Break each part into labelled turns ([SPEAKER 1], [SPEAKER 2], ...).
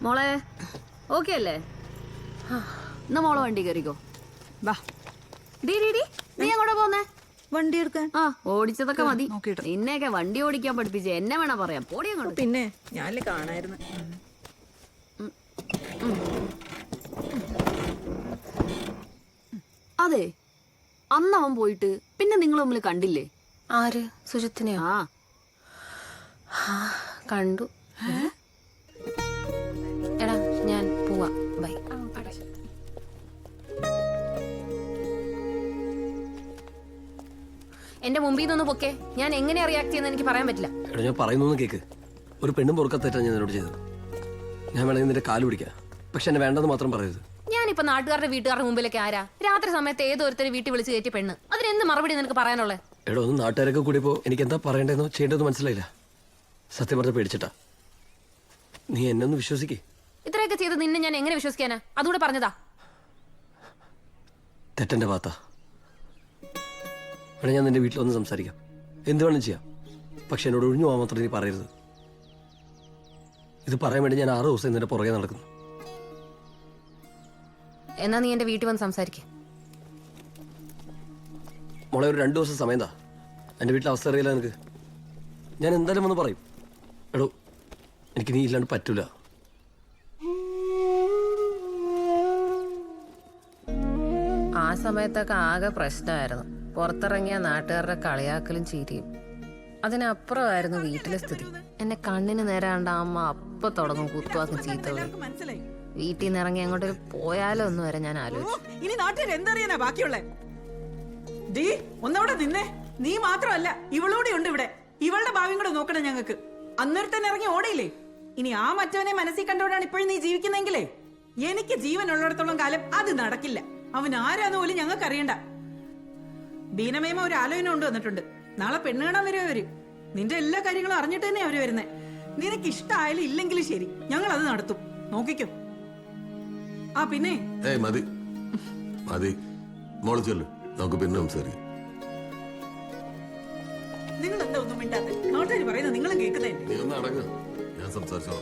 [SPEAKER 1] മോളെ ഓക്കെ അല്ലേ? എന്നാ മോളെ വണ്ടി കയറിക്കോ.
[SPEAKER 2] വാ.
[SPEAKER 1] ഡീ നീ അങ്ങോട്ടാ പോന്നേ?
[SPEAKER 2] വണ്ടി എടുക്കാൻ.
[SPEAKER 1] ആ ഓടിച്ചതൊക്കെ മതി. നിന്നെയൊക്കെ വണ്ടി ഓടിക്കാൻ പഠിപ്പിച്ച് എന്നെ വേണ പറയാം. പോടി അങ്ങോട്ട്.
[SPEAKER 2] പിന്നെ ഞാനില്ല കാണായിരുന്നു.
[SPEAKER 1] അതെ, അന്ന് അവൻ പോയിട്ട് പിന്നെ നിങ്ങൾ തമ്മിൽ കണ്ടില്ലേ?
[SPEAKER 3] ആര്? സുജിത്തിനെയോ? കണ്ടു. എടാ ഞാൻ പോവാ, ബൈ. എന്റെ മുമ്പിൽ നിന്നൊന്ന് പൊക്കെ. ഞാൻ എങ്ങനെ റിയാക്ട് ചെയ്യുന്ന എനിക്ക് പറയാൻ പറ്റില്ല.
[SPEAKER 4] എടാ ഞാൻ പറയുന്നൊന്ന് കേക്ക്. ഒരു പെണ്ണും പൊറുക്കത്തേറ്റാ ഞാൻ എന്നോട് ചെയ്തത്. ഞാൻ വേണമെങ്കിൽ നിന്റെ കാല് പിടിക്കാം, പക്ഷെ എന്നെ വേണ്ടെന്ന് മാത്രം പറയരുത്.
[SPEAKER 3] ഞാനിപ്പോ നാട്ടുകാരുടെ വീട്ടുകാരുടെ മുമ്പിലേക്ക് ആരാ? രാത്രി സമയത്ത് ഏതൊരുത്തരെ വീട്ടിൽ വിളിച്ച് കയറ്റിയ പെണ്ണ്. അതിനെന്ത് മറുപടി നിനക്ക് പറയാനുള്ളത്?
[SPEAKER 4] എടോ ഒന്ന് നാട്ടുകാരൊക്കെ കൂടിയപ്പോ എനിക്ക് എന്താ പറയണ്ടെന്നോ ചെയ്യേണ്ടതെന്ന് മനസ്സിലായില്ല. സത്യം പറഞ്ഞ പേടിച്ചിട്ടാ. നീ എന്നെ ഒന്ന് വിശ്വസിക്കേ.
[SPEAKER 3] ഇത്രയൊക്കെ ചെയ്ത് നിന്നെ ഞാൻ എങ്ങനെ വിശ്വസിക്കാനാ? അതുകൂടെ പറഞ്ഞതാ.
[SPEAKER 4] തെറ്റന്റെ ഭാഗത്താ. വേണേ ഞാൻ നിന്റെ വീട്ടിൽ വന്ന് സംസാരിക്കാം, എന്ത് വേണം ചെയ്യാം. പക്ഷെ എന്നോട് ഒഴിഞ്ഞു പോകാൻ മാത്രം നീ പറയരുത്. ഇത് പറയാൻ വേണ്ടി ഞാൻ 6 ദിവസം നിന്റെ പുറകെ നടക്കുന്നു.
[SPEAKER 3] എന്നാ നീ എന്റെ വീട്ടിൽ വന്ന് സംസാരിക്ക.
[SPEAKER 4] മോളെ ഒരു 2 ദിവസം സമയം താ. എൻ്റെ വീട്ടിലെ അവസ്ഥ അറിയില്ല നിനക്ക്. ഞാൻ എന്തായാലും വന്ന് പറയും. എടോ എനിക്ക് നീ ഇല്ലാണ്ട് പറ്റൂല.
[SPEAKER 3] ആ സമയത്തൊക്കെ ആകെ പ്രശ്നമായിരുന്നു. പുറത്തിറങ്ങിയ നാട്ടുകാരുടെ കളിയാക്കലും ചിരിയും. അതിനപ്പുറമായിരുന്നു വീട്ടിലെ സ്ഥിതി. എന്നെ കണ്ണിന് നേരാണ്ട് അമ്മ അപ്പൊ തുടങ്ങും കുത്തുവാക്കും ചീത്തകളും. വീട്ടിൽ നിന്ന് ഇറങ്ങി അങ്ങോട്ട് പോയാലോ ഒന്ന് വരെ ഞാൻ ആലോചിച്ചു.
[SPEAKER 2] ഇനി നാട്ടുകാർ എന്തറിയാനാ ബാക്കിയുള്ള? ഡീ ഒന്നവിടെ നിന്നേ. നീ മാത്രമല്ല, ഇവളൂടെ ഉണ്ട് ഇവിടെ. ഇവളുടെ ഭാവിയും കൂടെ നോക്കണം ഞങ്ങൾക്ക്. അന്നേരത്തന്നെ ഇറങ്ങി ഓടയില്ലേ? ഇനി ആ മറ്റവനെ മനസ്സിൽ കണ്ടോണ്ടാണ് ഇപ്പോഴും നീ ജീവിക്കുന്നെങ്കിലേ, എനിക്ക് ജീവൻ ഉള്ളിടത്തോളം കാലം അത് നടക്കില്ല. അവൻ ആരാന്ന് പോലും ഞങ്ങൾക്ക് അറിയണ്ട. ബീനമേമ ഒരു ആലോചന കൊണ്ട് വന്നിട്ടുണ്ട്. നാളെ പെണ്ണ് കാണാൻ വരും അവര്. നിന്റെ എല്ലാ കാര്യങ്ങളും അറിഞ്ഞിട്ട് തന്നെ അവര് വരുന്നേ. നിനക്ക് ഇഷ്ടമായാലും ഇല്ലെങ്കിലും ശരി, ഞങ്ങൾ അത് നടത്തും. നോക്കിക്കോ. ആ പിന്നെ
[SPEAKER 5] മതി മതി മോള് ചെല്ലു, നമുക്ക് പിന്നെ സംസാരിക്കാം.
[SPEAKER 2] നിങ്ങൾ എന്താ ഒന്നും മിണ്ടാത്തെ? നാട്ടുകാർ പറയുന്നത് നിങ്ങളും കേൾക്കുന്നേ.
[SPEAKER 5] നീ ഒന്ന് അടങ്ങ്, ഞാൻ സംസാരിച്ചോളാം.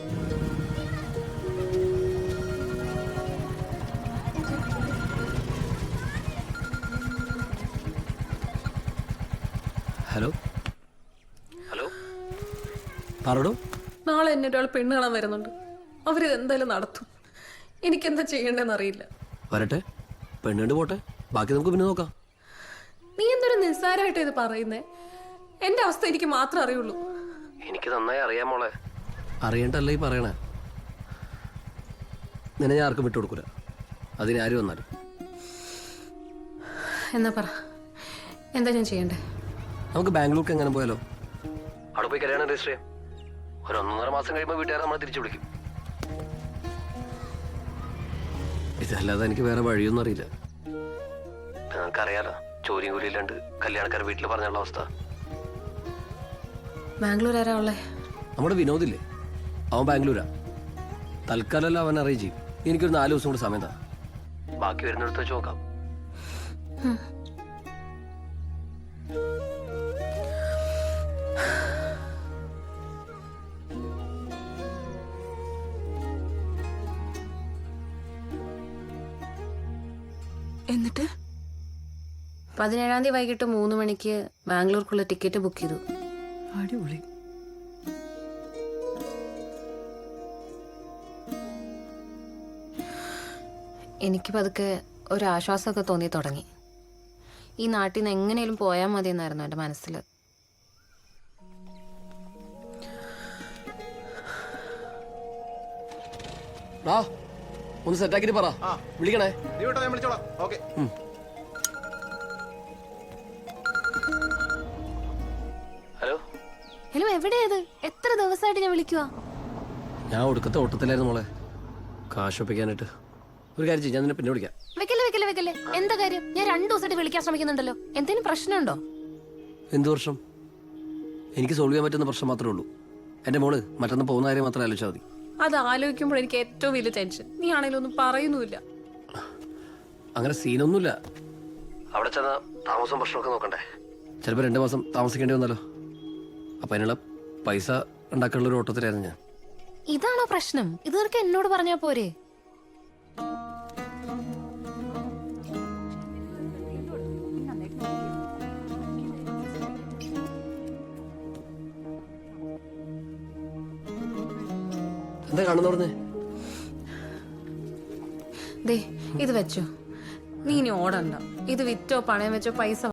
[SPEAKER 4] Hello hello പറടോ.
[SPEAKER 6] നാളെ എന്നെ ഒരാൾ പെണ്ണ് കാണാൻ വരുന്നുണ്ട്. അവരിത് എന്തായാലും നടത്തും. എനിക്കെന്താ ചെയ്യേണ്ടതെന്ന് അറിയില്ല.
[SPEAKER 4] വരട്ടെ, പെണ്ണുണ്ട് പോട്ടെ, ബാക്കി നമുക്ക് പിന്നെ നോക്കാം.
[SPEAKER 6] നീ എന്തൊരു നിസ്സാരമായിട്ട് ഇത് പറയുന്നേ? എന്റെ അവസ്ഥ എനിക്ക് മാത്രം അറിയുള്ളൂ.
[SPEAKER 4] എനിക്ക് നന്നായി അറിയാം മോളെ. അറിയണ്ടല്ലേ ഈ പറയണേ. നിന്നെ ഞാൻ ആർക്കും വിട്ടുകൊടുക്കൂല, അതിനാരും വന്നാലും.
[SPEAKER 3] എന്നാ പറ, എന്താ ഞാൻ ചെയ്യണ്ടേ?
[SPEAKER 4] നമുക്ക് ബാംഗ്ലൂർക്ക് എങ്ങനെ പോയാലോ? അവിടെ പോയി കല്യാണം രജിസ്റ്റർ ചെയ്യാം. ഒരു 1.5 മാസം കഴിയുമ്പോൾ വീട്ടുകാരെ നമ്മളെ തിരിച്ചു വിളിക്കും. ഇതല്ലാതെ എനിക്ക് വേറെ വഴിയൊന്നും അറിയില്ല. നിങ്ങൾക്കറിയാലോ, ജോലിയും കൂലിയില്ലാണ്ട് കല്യാണക്കാരെ വീട്ടിൽ പറഞ്ഞുള്ള അവസ്ഥ.
[SPEAKER 3] ബാംഗ്ലൂർ ആരാ ഉള്ളേ?
[SPEAKER 4] നമ്മുടെ വിനോദില്ലേ, അവൻ ബാംഗ്ലൂരാ. തൽക്കാലം അവൻ അറേഞ്ച് ചെയ്യും. എനിക്കൊരു 4 ദിവസം കൂടി സമയം താ, ബാക്കി വരുന്നിടത്ത് വെച്ച് നോക്കാം.
[SPEAKER 2] എന്നിട്ട്
[SPEAKER 3] 17-ാം തീയതി വൈകിട്ട് 3 മണിക്ക് ബാംഗ്ലൂർക്കുള്ള ടിക്കറ്റ് ബുക്ക് ചെയ്തു.
[SPEAKER 2] അടിപൊളി.
[SPEAKER 3] എനിക്ക് പതുക്കെ ഒരു ആശ്വാസമൊക്കെ തോന്നി തുടങ്ങി. ഈ നാട്ടിൽ നിന്ന് എങ്ങനെയും പോയാൽ മതി എന്നായിരുന്നു എൻ്റെ മനസ്സിൽ.
[SPEAKER 4] ഒന്ന് സെറ്റാക്കിട്ട് പറ, വിളിക്കണേ. ഹലോ
[SPEAKER 3] ഹലോ, എവിടെയത്? എത്ര ദിവസമായിട്ട് ഞാൻ വിളിക്കുവാ.
[SPEAKER 4] ഞാൻ ഒടുക്കത്തെ ഓട്ടത്തിലായിരുന്നു മോളെ, കാശ് ഒപ്പിക്കാനായിട്ട്. ഒരു കാര്യം ചെയ്യും, ഞാൻ നിന്നെ പിന്നെ വിളിക്കാം.
[SPEAKER 3] വെക്കല്ലേ. എന്താ കാര്യം? ഞാൻ 2 ദിവസമായിട്ട് വിളിക്കാൻ ശ്രമിക്കുന്നുണ്ടല്ലോ. എന്തെങ്കിലും പ്രശ്നമുണ്ടോ?
[SPEAKER 4] എന്ത് പ്രശ്നം? എനിക്ക് സോൾവ് ചെയ്യാൻ പറ്റുന്ന പ്രശ്നം മാത്രമേ ഉള്ളൂ. എൻ്റെ മോള് മറ്റൊന്ന് പോകുന്ന കാര്യം മാത്രമേ ആലോചിച്ചാൽ മതി.
[SPEAKER 6] അത് ആലോചിക്കുമ്പോൾ എനിക്ക് ഏറ്റവും വലിയ ടെൻഷൻ. നീ ആണെങ്കിലും ഒന്നും പറയുന്നുമില്ല.
[SPEAKER 4] അങ്ങനെ സീനൊന്നുമില്ല. അവിടെ ചെന്ന താമസം പ്രശ്നമൊക്കെ നോക്കണ്ടേ? ചിലപ്പോൾ 2 മാസം താമസിക്കേണ്ടി വന്നല്ലോ. അപ്പം അതിനുള്ള പൈസ ഉണ്ടാക്കാനുള്ളൊരു ഓട്ടത്തിലായിരുന്നു ഞാൻ.
[SPEAKER 3] ഇതാണോ പ്രശ്നം? ഇത് നിനക്ക് എന്നോട് പറഞ്ഞാ പോരെ?
[SPEAKER 4] എന്താ കാണുന്ന പറഞ്ഞേ?
[SPEAKER 3] ദേ ഇത് വെച്ചോ. നീ ഇനി ഓടണ്ട. ഇത് വിറ്റോ പണയം വെച്ചോ പൈസ